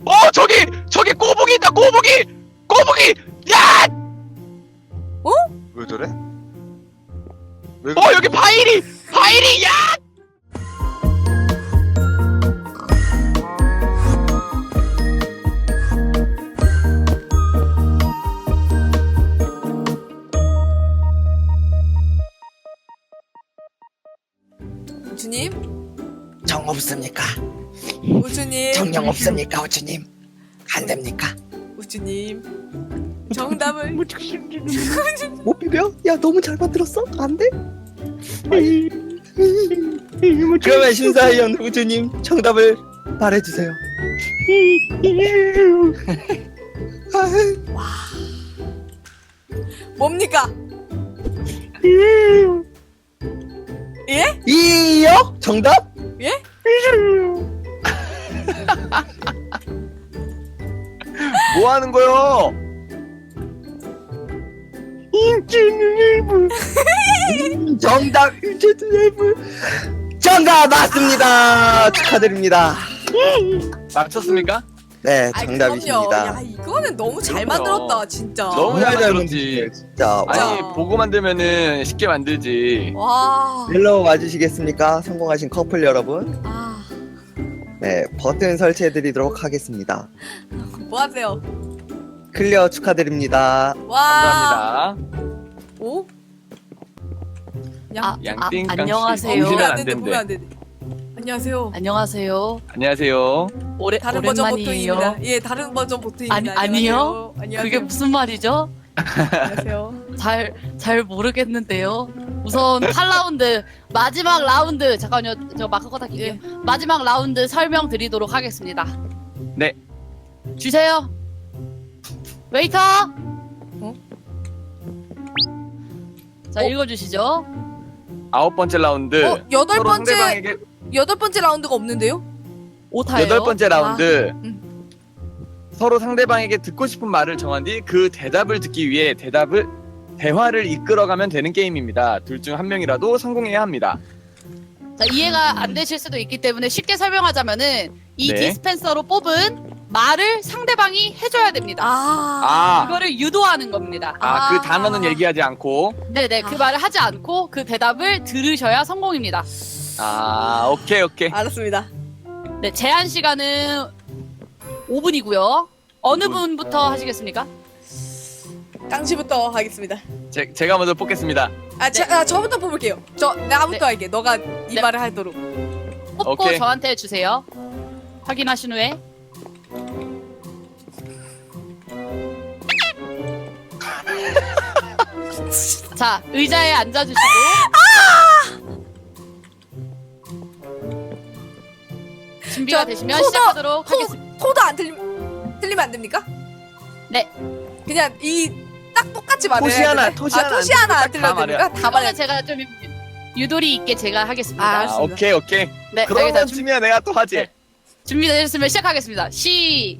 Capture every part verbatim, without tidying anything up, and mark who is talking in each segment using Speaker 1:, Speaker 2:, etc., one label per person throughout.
Speaker 1: 어 저기 저기 꼬북이 있다. 꼬북이 꼬북이. 야!
Speaker 2: 어?
Speaker 3: 왜 저래? 왜
Speaker 1: 어 여기 파이리 파이리 야!
Speaker 2: 우주님?
Speaker 4: 정 없습니까?
Speaker 2: 우주님?
Speaker 4: 정령 없습니까, 우주님? 안 됩니까?
Speaker 2: 우주님 정답을
Speaker 4: 못 비벼? 야, 너무 잘 만들었어? 안 돼? 그러면 신사위원 우주님 정답을 말해주세요.
Speaker 2: 뭡니까? 예?
Speaker 4: 이요? 정답?
Speaker 2: 예?
Speaker 3: 뭐 하는 거요?
Speaker 4: 음, 정답 정답 맞습니다. 축하드립니다.
Speaker 1: 맞췄습니까?
Speaker 4: 네,
Speaker 2: 아이,
Speaker 4: 정답이십니다.
Speaker 2: 그럼요. 야 이거는 너무 잘
Speaker 1: 그럼요.
Speaker 2: 만들었다 진짜.
Speaker 1: 너무 잘 만들었지.
Speaker 4: 만들었지, 진짜.
Speaker 1: 아니
Speaker 2: 와.
Speaker 1: 보고 만들면은 쉽게 만들지.
Speaker 2: 와.
Speaker 4: 멜로 와주시겠습니까? 성공하신 커플 여러분.
Speaker 2: 아,
Speaker 4: 네, 버튼 설치해드리도록 하겠습니다.
Speaker 2: 뭐 하세요?
Speaker 4: 클리어 축하드립니다.
Speaker 2: 와.
Speaker 1: 감사합니다.
Speaker 2: 오? 양.
Speaker 5: 아,
Speaker 1: 양띵
Speaker 5: 아,
Speaker 1: 깡씨.
Speaker 5: 안녕하세요.
Speaker 1: 보면
Speaker 2: 보면
Speaker 1: 안
Speaker 2: 안 된대.
Speaker 1: 된대.
Speaker 2: 보면 안 된대. 안녕하세요.
Speaker 5: 안녕하세요.
Speaker 1: 안녕하세요.
Speaker 5: 오래
Speaker 2: 다른 버전
Speaker 5: 오랜만이에요.
Speaker 2: 보통입니다. 예, 다른 버전 보통입니다.
Speaker 5: 아니, 아니요?
Speaker 2: 안녕하세요. 안녕하세요.
Speaker 5: 그게 무슨 말이죠?
Speaker 2: 안녕하세요.
Speaker 5: 잘 잘 모르겠는데요. 우선 팔 라운드 마지막 라운드 잠깐요. 저 마크 껐다 킬게요.
Speaker 2: 예.
Speaker 5: 마지막 라운드 설명드리도록 하겠습니다.
Speaker 1: 네.
Speaker 5: 주세요. 웨이터.
Speaker 2: 어?
Speaker 5: 자,
Speaker 1: 어?
Speaker 5: 읽어주시죠.
Speaker 1: 아홉 번째 라운드.
Speaker 2: 어, 여덟
Speaker 1: 서로
Speaker 2: 번째
Speaker 1: 상대방에게
Speaker 2: 여덟 번째 라운드가 없는데요?
Speaker 5: 오타예요.
Speaker 1: 여덟 번째 라운드.
Speaker 2: 음.
Speaker 1: 서로 상대방에게 듣고 싶은 말을 정한 뒤 그 대답을 듣기 위해 대답을 대화를 이끌어가면 되는 게임입니다. 둘 중 한 명이라도 성공해야 합니다.
Speaker 5: 자, 이해가 안 되실 수도 있기 때문에 쉽게 설명하자면은 이
Speaker 1: 네.
Speaker 5: 디스펜서로 뽑은 말을 상대방이 해줘야 됩니다.
Speaker 2: 아.
Speaker 1: 아,
Speaker 5: 그거를 유도하는 겁니다.
Speaker 1: 아,
Speaker 2: 아.
Speaker 1: 그 단어는 얘기하지 않고.
Speaker 5: 네네, 그
Speaker 2: 아.
Speaker 5: 말을 하지 않고 그 대답을 들으셔야 성공입니다.
Speaker 1: 아, 오케이, 오케이.
Speaker 2: 알았습니다.
Speaker 5: 네, 제한 시간은 오 분이고요. 어느
Speaker 1: 오 분.
Speaker 5: 분부터 하시겠습니까?
Speaker 2: 깡씨부터 하겠습니다.
Speaker 1: 제, 제가 먼저 뽑겠습니다.
Speaker 2: 아, 저, 아 저부터 뽑을게요. 저 나부터
Speaker 5: 네.
Speaker 2: 할게. 너가 이
Speaker 5: 네.
Speaker 2: 말을 하도록.
Speaker 5: 뽑고
Speaker 1: 오케이.
Speaker 5: 저한테 주세요. 확인하신 후에. 자, 의자에 앉아주시고. 준비가
Speaker 2: 저
Speaker 5: 되시면
Speaker 2: 코너,
Speaker 5: 시작하도록
Speaker 2: 토,
Speaker 5: 하겠습니다.
Speaker 2: 토도 안 틀리, 틀리면 안 됩니까?
Speaker 5: 네.
Speaker 2: 그냥 이 딱 똑같이 말해야
Speaker 1: 토시 하나,
Speaker 2: 되네?
Speaker 1: 토시
Speaker 2: 아,
Speaker 1: 하나
Speaker 2: 토시
Speaker 1: 안
Speaker 2: 하나 안
Speaker 1: 됩니까? 다
Speaker 2: 틀려야 됩니까? 다 말해야
Speaker 5: 이거는 제가 좀 유도리 있게 제가 하겠습니다.
Speaker 2: 아,
Speaker 1: 아,
Speaker 2: 알겠습니다.
Speaker 1: 오케이, 오케이.
Speaker 5: 네,
Speaker 1: 그런
Speaker 5: 여기서 준-
Speaker 1: 쯤이야 내가 또 하지.
Speaker 5: 네. 준비되셨으면 시작하겠습니다. 시작!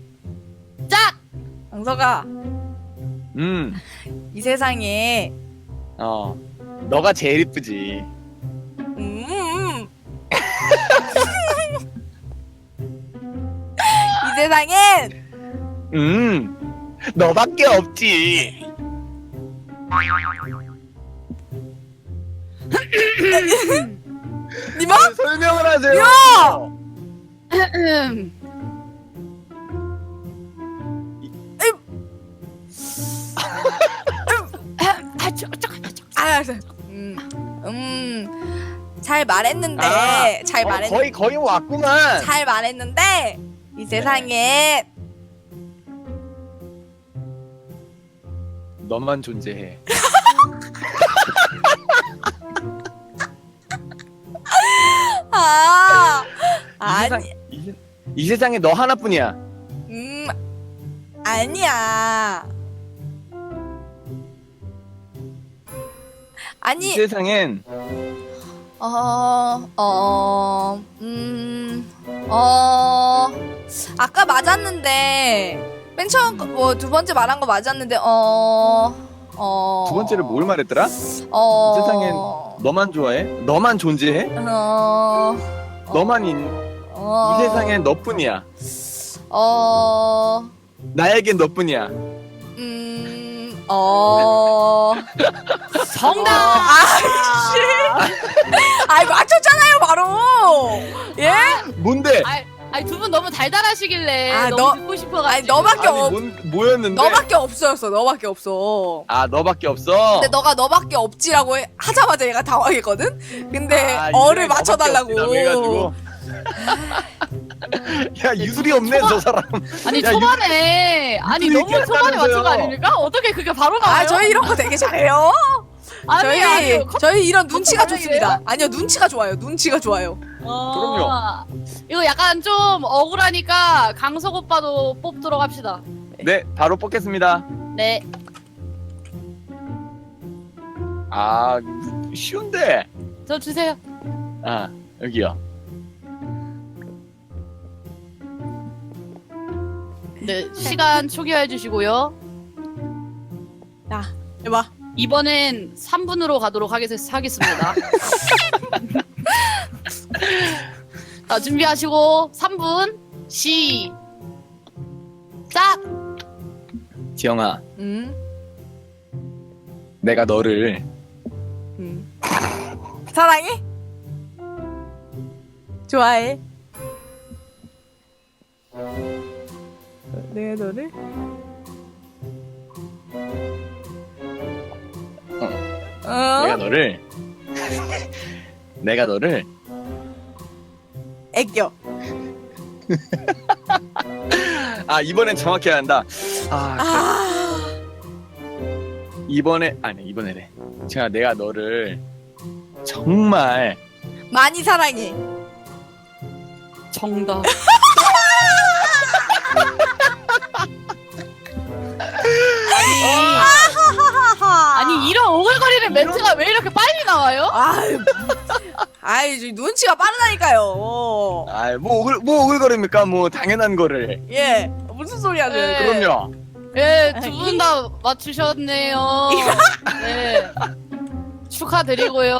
Speaker 2: 강서가
Speaker 1: 음,
Speaker 2: 이 세상에
Speaker 1: 어. 너가 제일 이쁘지.
Speaker 2: 음. 이 세상엔
Speaker 1: 음, 너밖에 없지.
Speaker 2: 니마?
Speaker 1: 설명을 하세요.
Speaker 2: 야!
Speaker 5: 음. 아, 저, 저, 저.
Speaker 2: 아, 알았어. 음, 음, 잘 말했는데,
Speaker 1: 아,
Speaker 2: 잘
Speaker 1: 어,
Speaker 2: 말했,
Speaker 1: 거의 거의 왔구만.
Speaker 2: 잘 말했는데, 이 세상에
Speaker 1: 너만 존재해.
Speaker 2: 아,
Speaker 1: 이
Speaker 2: 아니,
Speaker 1: 세상, 이, 세- 이 세상에 너 하나뿐이야.
Speaker 2: 음, 아니야.
Speaker 1: 이
Speaker 2: 아니,
Speaker 1: 세상엔
Speaker 2: 어, 어, 음, 어, 아까 맞았는데, 맨 처음, 뭐, 두 번째 말한 거 맞았는데, 어, 어.
Speaker 1: 두 번째를 뭘 말했더라?
Speaker 2: 어.
Speaker 1: 이 세상엔 너만 좋아해? 너만 존재해?
Speaker 2: 어.
Speaker 1: 너만 있,
Speaker 2: 어.
Speaker 1: 이 세상엔 너뿐이야.
Speaker 2: 어,
Speaker 1: 나에겐 너뿐이야.
Speaker 2: 음, 어,
Speaker 5: 정답.
Speaker 2: 아이씨. 아이, 맞췄잖아요, 바로. 예?
Speaker 1: 뭔데?
Speaker 5: 아니 두 분 너무 달달하시길래
Speaker 2: 아,
Speaker 5: 너무
Speaker 2: 너-
Speaker 5: 듣고 싶어가지고.
Speaker 2: 아니, 너밖에
Speaker 1: 아니
Speaker 2: 없,
Speaker 1: 뭔 뭐였는데?
Speaker 2: 너밖에 없어였어, 너밖에 없어.
Speaker 1: 아 너밖에 없어.
Speaker 2: 근데 너가 너밖에 없지라고 해- 하자마자 얘가 당황했거든? 근데
Speaker 1: 아,
Speaker 2: 어를
Speaker 1: 이제
Speaker 2: 맞춰달라고.
Speaker 1: 너밖에 없지라고 해가지고. 야 유술이 없네 저 사람.
Speaker 5: 아니
Speaker 1: 야,
Speaker 5: 초반에 아니
Speaker 1: 이거
Speaker 5: 너무 초반에 맞춘 거
Speaker 1: 얘기했다면서요.
Speaker 5: 아닙니까? 어떻게 그게 바로 나와요?
Speaker 2: 아, 저희 이런 거 되게 잘해요.
Speaker 5: 아니,
Speaker 2: 저희,
Speaker 5: 아니, 컵-
Speaker 2: 저희 이런 눈치가
Speaker 5: 다르게요?
Speaker 2: 좋습니다. 아니요, 눈치가 좋아요. 눈치가 좋아요.
Speaker 5: 어, 이거 약간 좀 억울하니까 강석 오빠도 뽑도록 합시다.
Speaker 1: 네 바로 뽑겠습니다.
Speaker 5: 네.
Speaker 1: 아 쉬운데.
Speaker 5: 저 주세요.
Speaker 1: 아 여기요.
Speaker 5: 네, 시간 초기화해 주시고요.
Speaker 2: 야, 해봐.
Speaker 5: 이번엔 삼 분으로 가도록 하겠, 하겠습니다. 자, 준비하시고 삼 분 시작.
Speaker 1: 지영아
Speaker 2: 음,
Speaker 1: 내가 너를
Speaker 2: 음. 사랑해? 좋아해? 내가 너를? 어?
Speaker 1: 내가 너를 내가 너를
Speaker 2: 애껴.
Speaker 1: 아 이번엔 정확히 해야 한다. 아
Speaker 2: 아,
Speaker 1: 이번에 아니 이번에래. 제가 내가 너를 정말
Speaker 2: 많이 사랑해.
Speaker 5: 정답.
Speaker 2: 하하하하.
Speaker 5: 아니 이런 오글거리는 멘트가 왜 이렇게 빨리 나와요?
Speaker 2: 아이, 아이, 저 눈치가 빠르다니까요.
Speaker 1: 아뭐 오글 뭐 오글거립니까? 뭐 당연한 거를.
Speaker 2: 예, 무슨 소리 하세요?
Speaker 5: 네.
Speaker 1: 그럼요.
Speaker 5: 네, 두 분 다 맞추셨네요. 네. 축하드리고요.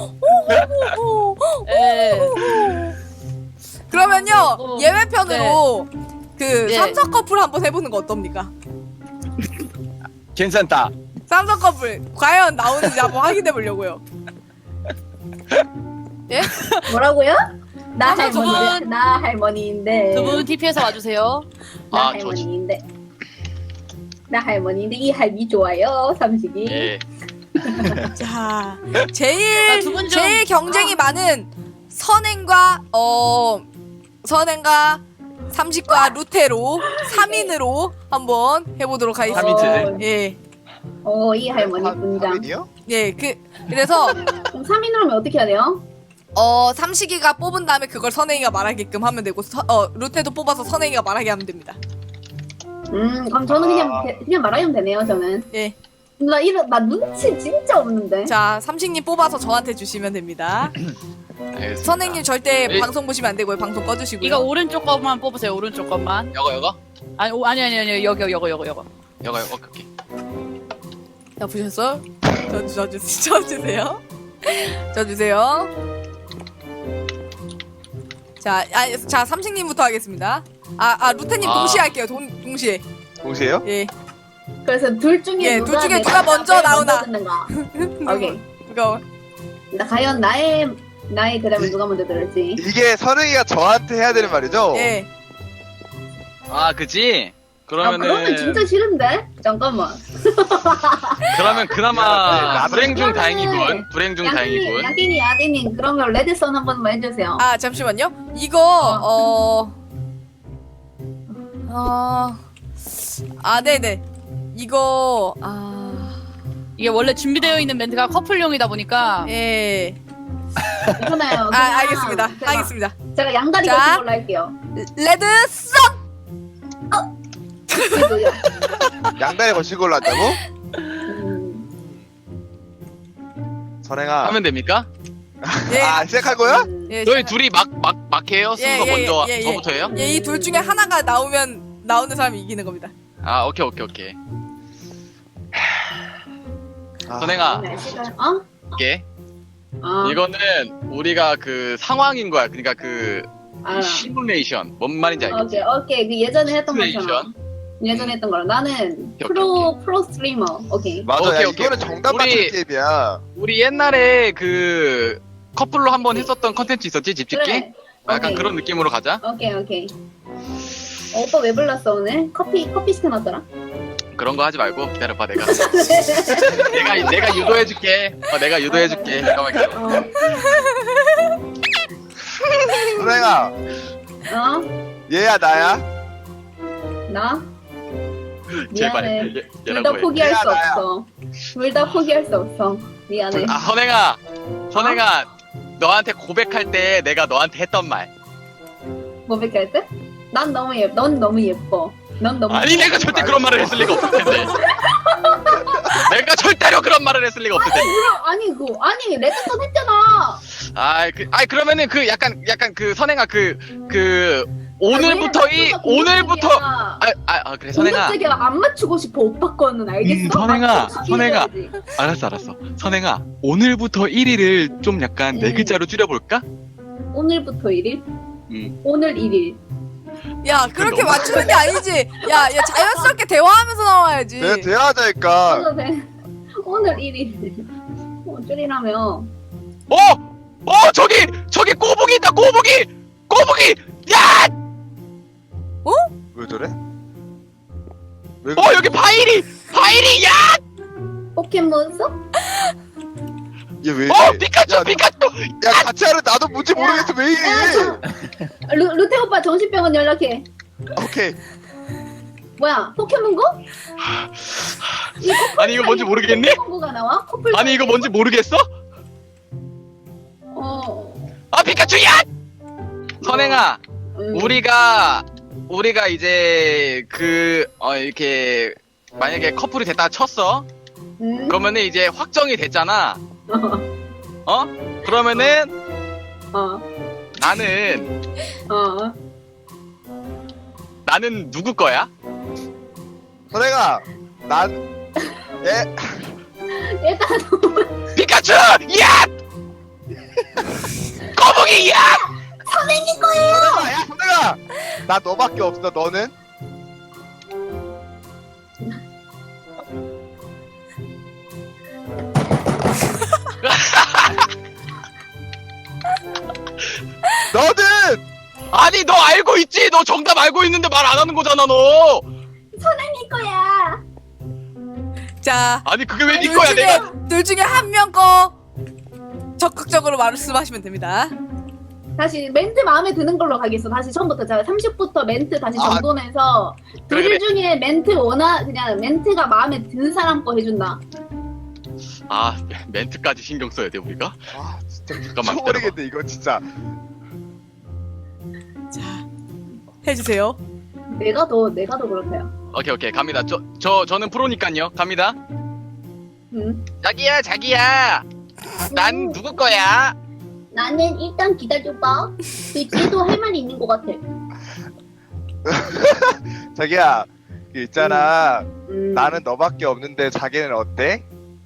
Speaker 5: 네.
Speaker 2: 그러면요,
Speaker 5: 어,
Speaker 2: 예외편으로 그
Speaker 5: 네.
Speaker 2: 삼성 커플 한번 해보는 거 어떻습니까?
Speaker 1: 괜찮다.
Speaker 2: 삼성 커플 과연 나오는지 한번 확인해 보려고요.
Speaker 6: 뭐라고요? 나
Speaker 5: 자, 두
Speaker 6: 할머니,
Speaker 5: 분.
Speaker 6: 나 할머니인데.
Speaker 5: 두 분 티피에서 와주세요.
Speaker 6: 나
Speaker 7: 아, 저
Speaker 6: 할머니인데. 나 할머니인데 이 할미 좋아요, 삼식이.
Speaker 7: 예.
Speaker 2: 자,
Speaker 5: 자,
Speaker 2: 제일
Speaker 5: 두분 좀-
Speaker 2: 제일 경쟁이 많은 선행과 어 선행과 삼식과 루테로 삼 인으로 한번 해보도록 하겠습니다.
Speaker 1: 삼 인 체제?
Speaker 2: 예,
Speaker 6: 어, 이 할머니 분장.
Speaker 3: 삼인이요?
Speaker 2: 예, 그 그래서
Speaker 6: 그럼 삼 인으로 하면 어떻게 해야 돼요?
Speaker 2: 어 삼식이가 뽑은 다음에 그걸 선행이가 말하게끔 하면 되고 서, 어 루테도 뽑아서 선행이가 말하게 하면 됩니다.
Speaker 6: 음, 그럼 저는 그냥
Speaker 3: 아.
Speaker 6: 대- 그냥 말하면 되네요, 저는.
Speaker 2: 예,
Speaker 6: 나 이런 나 눈치 진짜 없는데.
Speaker 2: 자 삼식님 뽑아서 저한테 주시면 됩니다.
Speaker 7: 알겠습니다.
Speaker 2: 선생님 절대
Speaker 7: 예.
Speaker 2: 방송 보시면 안 되고요. 방송 꺼주시고요.
Speaker 5: 이거 오른쪽 것만 뽑으세요. 오른쪽 것만.
Speaker 7: 여거 여거
Speaker 5: 아니 오, 아니 아니 아니 여기 여기 여기 여기.
Speaker 7: 여거 여거 오케이.
Speaker 2: 자 보셨어? 저, 저, 저, 저 주세요. 저 주세요. 자, 아, 자 삼식님부터 하겠습니다. 아, 아 루테님
Speaker 7: 아.
Speaker 2: 동시에 할게요. 동, 동시에.
Speaker 3: 동시에요?
Speaker 2: 예.
Speaker 6: 그래서 둘 중에
Speaker 2: 예,
Speaker 6: 누가
Speaker 2: 둘 중에
Speaker 6: 내가
Speaker 2: 누가 먼저
Speaker 6: 앞에
Speaker 2: 나오나.
Speaker 6: 듣는가? 오케이.
Speaker 2: 이거
Speaker 6: 나 과연 나의 나의 대답을 누가 먼저 들을지.
Speaker 3: 이게 선웅이가 저한테 해야 되는 말이죠?
Speaker 2: 예.
Speaker 7: 아 그지?
Speaker 6: 아,
Speaker 7: 그러면은
Speaker 6: 그러면 진짜 싫은데? 잠깐만.
Speaker 7: 그러면
Speaker 3: 야,
Speaker 7: 그나마
Speaker 3: 나도
Speaker 7: 불행 중
Speaker 6: 그러면은
Speaker 7: 다행이군. 불행 중
Speaker 6: 양띵이,
Speaker 7: 다행이군.
Speaker 6: 양띵이, 야띵이 그러면 레드선 한 번만 해주세요.
Speaker 2: 아 잠시만요. 이거 어. 어. 아 네네. 이거 아.
Speaker 5: 이게 원래 준비되어 있는 멘트가 커플용이다 보니까
Speaker 2: 예.
Speaker 6: 괜찮아요.
Speaker 2: 아 알겠습니다.
Speaker 6: 제가,
Speaker 2: 알겠습니다.
Speaker 6: 제가 양다리
Speaker 2: 자.
Speaker 6: 거친 걸로 할게요.
Speaker 2: 레드 썬.
Speaker 6: 그래도요.
Speaker 3: 양다리 거친 걸로 한다고?
Speaker 6: 음,
Speaker 3: 선행아.
Speaker 7: 하면 됩니까?
Speaker 2: 예.
Speaker 3: 아, 시작할 거야?
Speaker 6: 음.
Speaker 2: 예.
Speaker 7: 너희 둘이 막 막 막 해요?
Speaker 2: 예,
Speaker 7: 순서
Speaker 2: 예,
Speaker 7: 먼저
Speaker 2: 예, 예,
Speaker 7: 저부터 해요?
Speaker 2: 예, 이 둘 중에 하나가 나오면 나오는 사람이 이기는 겁니다.
Speaker 7: 아 오케이 오케이 오케이.
Speaker 3: 아,
Speaker 7: 선행아
Speaker 6: 날씨가 어?
Speaker 7: 이게
Speaker 6: 어.
Speaker 7: 이거는 우리가 그 상황인 거야. 그러니까 그
Speaker 6: 알아.
Speaker 7: 시뮬레이션. 뭔 말인지 알겠지?
Speaker 6: 오케이 오케이 그 예전에 했던
Speaker 7: 시뮬레이션.
Speaker 6: 것처럼. 예전에 했던 거랑 나는
Speaker 7: 오케이,
Speaker 6: 프로 프로 스트리머. 오케이.
Speaker 3: 맞아.
Speaker 7: 오케이,
Speaker 3: 야,
Speaker 7: 오케이.
Speaker 3: 이거는 정답 맞춘
Speaker 7: 우리-
Speaker 3: 게임이야.
Speaker 7: 우리 옛날에 그 커플로 한번 했었던 컨텐츠 있었지? 집짓기?
Speaker 6: 그래.
Speaker 7: 약간
Speaker 6: 오케이.
Speaker 7: 그런 느낌으로 가자.
Speaker 6: 오케이 오케이. 어, 오빠 왜 불렀어 오늘? 커피 커피 시켜놨더라.
Speaker 7: 그런 거 하지 말고 기다려봐 내가. 내가 내가 유도해줄게. 어, 내가 유도해줄게. 잠깐만 기다려.
Speaker 6: 어.
Speaker 3: 선생아,
Speaker 6: 어?
Speaker 3: 얘야 나야?
Speaker 6: 나?
Speaker 7: 제발.
Speaker 6: 미안해.
Speaker 7: 얘-
Speaker 6: 둘 다
Speaker 7: 얘라고 해.
Speaker 6: 포기할
Speaker 3: 얘야,
Speaker 6: 수
Speaker 3: 나야.
Speaker 6: 없어. 둘 다 포기할 수 없어. 미안해.
Speaker 7: 아 선행아, 선행아, 너한테 고백할 때 내가 너한테 했던 말.
Speaker 6: 고백할 때? 난 너무 예, 넌 너무 예뻐. 넌 너무.
Speaker 7: 아니 내가 절대 그런 말을 했을 리가 없을 텐데. 내가 절대로 그런 말을 했을 리가 없을 텐데.
Speaker 6: 아니 그 아니 레드선 했잖아.
Speaker 7: 아, 그, 아 그러면은 그 약간 약간 그 선행아 그 그 오늘부터 이 오늘부터 아, 아, 아 그래 선행아.
Speaker 6: 공격적이야. 안 맞추고 싶어 오빠 거는 알겠어?
Speaker 7: 음, 선행아,
Speaker 6: 맞춰주기
Speaker 7: 선행아.
Speaker 6: 해야지.
Speaker 7: 알았어 알았어. 선행아 오늘부터 일 일을 좀 약간 네
Speaker 6: 음.
Speaker 7: 글자로 줄여볼까?
Speaker 6: 오늘부터 일 일?
Speaker 7: 음.
Speaker 6: 오늘 일 일.
Speaker 2: 야 그렇게
Speaker 7: 너무-
Speaker 2: 맞추는 게 아니지. 야, 야 자연스럽게 대화하면서 나와야지.
Speaker 3: 내가 대화하자니까.
Speaker 6: 오늘 돼. 오늘 일 일. 어, 줄이라며.
Speaker 7: 어! 어 저기 저기 꼬북이 있다 꼬북이 꼬북이 야!
Speaker 3: 왜 저래? 왜
Speaker 7: 어 여기 바이리 바이리 야!
Speaker 6: 포켓몬스터?
Speaker 3: 얘왜
Speaker 7: 어
Speaker 3: 이래?
Speaker 7: 피카츄
Speaker 3: 야, 너-
Speaker 7: 피카츄
Speaker 3: 야 같이 하는 나도 뭔지 모르겠어 왜 이래?
Speaker 6: 루, 루테 오빠 정신병원 연락해.
Speaker 3: 오케이.
Speaker 6: 뭐야 포켓몬고? 이 커플
Speaker 7: 아니 이거 뭔지
Speaker 6: 사이에
Speaker 7: 모르겠니?
Speaker 6: 포켓몬고가 나와? 커플
Speaker 7: 아니 이거
Speaker 6: 사이에?
Speaker 7: 뭔지 모르겠어?
Speaker 6: 어.
Speaker 7: 아 피카츄 야! 선행아
Speaker 6: 음.
Speaker 7: 우리가 우리가 이제 그 어 이렇게 만약에 커플이 됐다 쳤어
Speaker 6: 음.
Speaker 7: 그러면은 이제 확정이 됐잖아 어? 그러면은
Speaker 6: 어.
Speaker 7: 나는
Speaker 6: 어.
Speaker 7: 나는 누구 거야?
Speaker 3: 선생아, 난 얘.
Speaker 6: 일단
Speaker 7: 피카츄 야! 거북이 야!
Speaker 6: 선생님 거예요.
Speaker 3: 선생아, 야 선생아, 나 너밖에 없어. 너는? 너는
Speaker 7: 아니 너 알고 있지? 너 정답 알고 있는데 말 안 하는 거잖아 너.
Speaker 6: 선생님 거야.
Speaker 2: 자,
Speaker 7: 아니 그게 왜 네
Speaker 2: 둘
Speaker 7: 거야
Speaker 2: 중에
Speaker 7: 내가?
Speaker 2: 둘 중에 한 명 거 적극적으로 말씀하시면 됩니다.
Speaker 6: 다시 멘트 마음에 드는 걸로 가겠어. 다시 처음부터 자 삼십부터 멘트 다시
Speaker 3: 아.
Speaker 6: 정돈해서
Speaker 7: 그래,
Speaker 6: 둘
Speaker 7: 그래.
Speaker 6: 중에 멘트 원하 그냥 멘트가 마음에 드는 사람 거 해준다.
Speaker 7: 아 멘트까지 신경 써야 돼 우리가?
Speaker 3: 아 진짜
Speaker 7: 잠깐만,
Speaker 3: 미쳐버리겠네 이거 진짜.
Speaker 2: 자, 해주세요.
Speaker 6: 내가 더 내가 더 그렇대요.
Speaker 7: 오케이 오케이 갑니다. 저 저 저는 프로니까요. 갑니다.
Speaker 6: 음.
Speaker 7: 자기야 자기야. 난 누구 거야?
Speaker 6: 나는 일단 기다려봐. 그 뒤에도 할 말이 있는 것 같아.
Speaker 3: 자기야 그 있잖아.
Speaker 6: 음.
Speaker 3: 나는 너밖에 없는데 자기는 어때?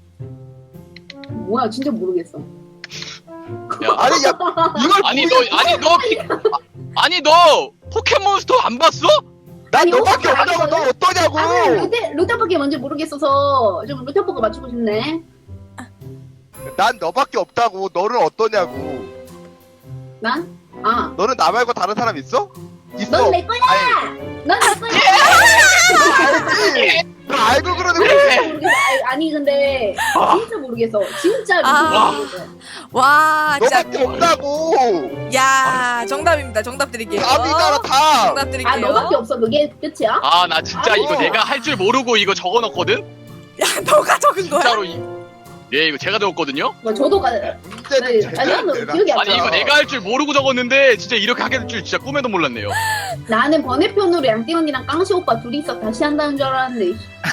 Speaker 6: 뭐야 진짜 모르겠어.
Speaker 7: 야,
Speaker 3: 아니 야 이걸
Speaker 7: 아니 너
Speaker 3: 모르겠어?
Speaker 7: 아니 너 피, 아니 너 포켓몬스터 안 봤어?
Speaker 3: 난
Speaker 6: 아니,
Speaker 3: 너밖에
Speaker 6: 오빠
Speaker 3: 없다고. 너
Speaker 6: 알거든?
Speaker 3: 어떠냐고.
Speaker 6: 아 루테 루테밖에 뭔지 모르겠어서 좀 루테보고 맞추고 싶네.
Speaker 3: 난 너밖에 없다고. 너는 어떠냐고.
Speaker 6: 난? 아.
Speaker 3: 너는 나 말고 다른 사람 있어? 있어.
Speaker 6: 넌 내 거야.
Speaker 3: 아니,
Speaker 6: 넌 내 거야.
Speaker 3: 너 알지? 너 알고 그러는 거야.
Speaker 6: 진짜 모르겠어. 아니, 아니 근데 진짜 모르겠어. 진짜
Speaker 2: 아.
Speaker 6: 모르겠어.
Speaker 2: 와, 진짜.
Speaker 3: 너밖에 없다고.
Speaker 2: 야, 정답입니다. 정답 드릴게요.
Speaker 3: 답이잖아 답.
Speaker 2: 정답 드릴게요.
Speaker 6: 아 너밖에 없어. 그게 끝이야?
Speaker 7: 아 나 진짜
Speaker 3: 아이고.
Speaker 7: 이거 내가 할 줄 모르고 이거 적어놨거든.
Speaker 2: 야, 너가 적은 거야?
Speaker 7: 진짜로 이. 예 이거 제가 적었거든요.
Speaker 6: 뭐 저도 가.
Speaker 3: 문제는
Speaker 6: 네, 아니 나는
Speaker 3: 제대로
Speaker 6: 기억이 안
Speaker 7: 아니
Speaker 6: 나.
Speaker 7: 이거 내가 할 줄 모르고 적었는데 진짜 이렇게 하게 될 줄 진짜 꿈에도 몰랐네요.
Speaker 6: 나는 번외편으로 양띵 언니랑 깡시 오빠 둘이서 다시 한다는 줄 알았는데.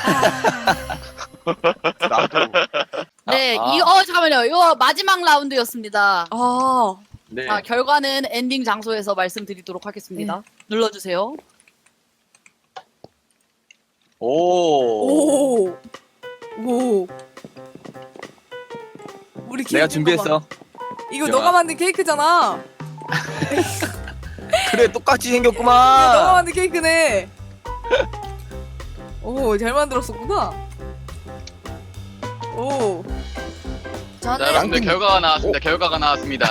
Speaker 3: 나도.
Speaker 5: 네,
Speaker 7: 아.
Speaker 5: 이, 어, 잠깐만요. 이거 마지막 라운드였습니다.
Speaker 2: 아,
Speaker 7: 네.
Speaker 5: 자, 결과는 엔딩 장소에서 말씀드리도록 하겠습니다. 눌러주세요.
Speaker 7: 오.
Speaker 2: 오, 오. 우리
Speaker 1: 내가
Speaker 2: 케이크
Speaker 1: 준비했어.
Speaker 2: 봐봐. 이거
Speaker 7: 야.
Speaker 2: 너가 만든 케이크잖아.
Speaker 1: 그래 똑같이
Speaker 2: 야,
Speaker 1: 생겼구만.
Speaker 2: 너가 만든 케이크네. 오, 잘 만들었었구나. 오.
Speaker 7: 자,
Speaker 2: 저는
Speaker 7: 여러분들 결과가 나왔습니다. 결과가 나왔습니다.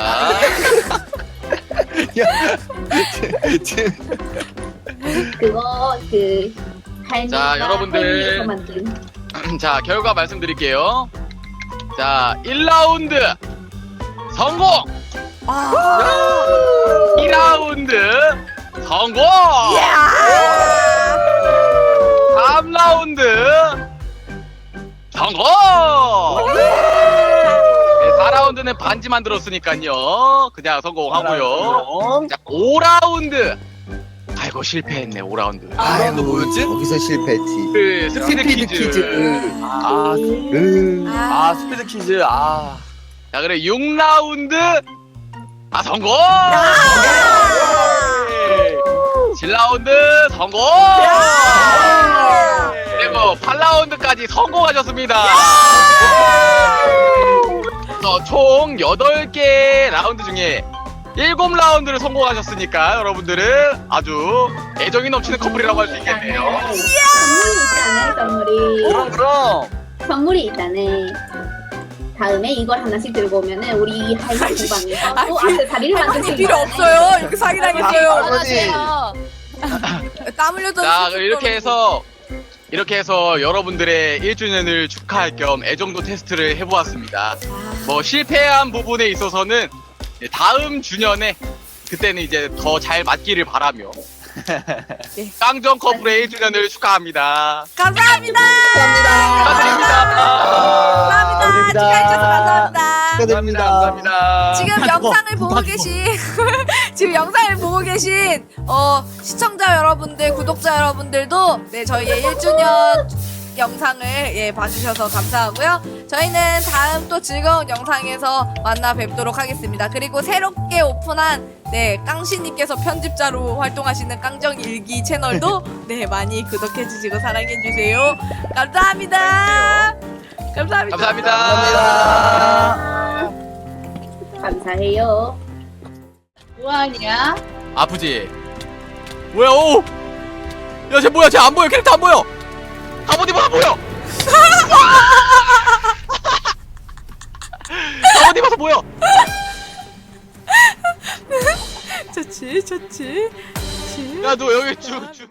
Speaker 1: 지금
Speaker 6: 그거 그 할머니가
Speaker 7: 자, 여러분들.
Speaker 6: 할머니에서 만든
Speaker 7: 자, 결과 말씀드릴게요. 자, 일 라운드 성공!
Speaker 2: 아.
Speaker 7: 이 라운드 성공! 삼 라운드 성공! 네, 사 라운드는 반지 만들었으니까요. 그냥 성공하고요. 자, 오 라운드. 아이고, 실패했네, 오 라운드.
Speaker 1: 아, 너 뭐였지?
Speaker 4: 거기서 실패했지.
Speaker 7: 그, 스피드,
Speaker 4: 스피드
Speaker 7: 퀴즈.
Speaker 4: 퀴즈.
Speaker 1: 아,
Speaker 4: 음.
Speaker 1: 아 스피드 퀴즈. 아.
Speaker 7: 자, 그래, 육 라운드. 아, 성공! 칠 라운드 성공! 그리고 팔 라운드까지 성공하셨습니다. 그래서 총 여덟 개 라운드 중에 일곱 라운드를 성공하셨으니까 여러분들은 아주 애정이 넘치는 커플이라고 할 수 있겠네요.
Speaker 6: 선물이 있다네 선물이
Speaker 1: 그럼 그럼.
Speaker 6: 선물이 있다네. 다음에 이걸 하나씩 들고 오면은 우리 할머니 주방에서
Speaker 2: 아,
Speaker 6: 또
Speaker 2: 그-
Speaker 6: 액세서리를 만들 수
Speaker 2: 할머니
Speaker 6: 있는
Speaker 2: 필요
Speaker 6: 거네.
Speaker 2: 없어요. 이렇게 사기당했어요.
Speaker 5: 안녕하세요.
Speaker 2: 땀 흘려서.
Speaker 7: 자, 그럼 이렇게 해서 이렇게 해서 여러분들의 일 주년을 축하할 겸 애정도 테스트를 해보았습니다. 뭐 실패한 부분에 있어서는 다음 주년에 그때는 이제 더 잘 맞기를 바라며
Speaker 2: 네.
Speaker 7: 깡정 커플의 일 주년을 축하합니다.
Speaker 2: 감사합니다.
Speaker 7: 축하드립니다.
Speaker 2: 감사합니다. 축하해주셔서 감사합니다.
Speaker 1: 감사합니다. 감사합니다.
Speaker 2: 지금 영상을 보고 계신 지금 영상을 보고 계신 어 시청자 여러분들, 구독자 여러분들도 네 저희의 일 주년 영상을 예 봐주셔서 감사하고요. 저희는 다음 또 즐거운 영상에서 만나 뵙도록 하겠습니다. 그리고 새롭게 오픈한 네 깡씨님께서 편집자로 활동하시는 깡정일기 채널도 네 많이 구독해 주시고 사랑해 주세요. 감사합니다. 감사합니다.
Speaker 7: 감사합니다.
Speaker 6: 감사해요.
Speaker 5: 뭐하냐?
Speaker 7: 아프지? 뭐야? 오! 야, 쟤 뭐야? 쟤 안 보여. 캐릭터 안 보여. 갑옷 입어 안 보여. 갑옷 입어서 보여.
Speaker 2: 좋지, 좋지, 좋지.
Speaker 7: 야, 너 여기 쭉 쭉.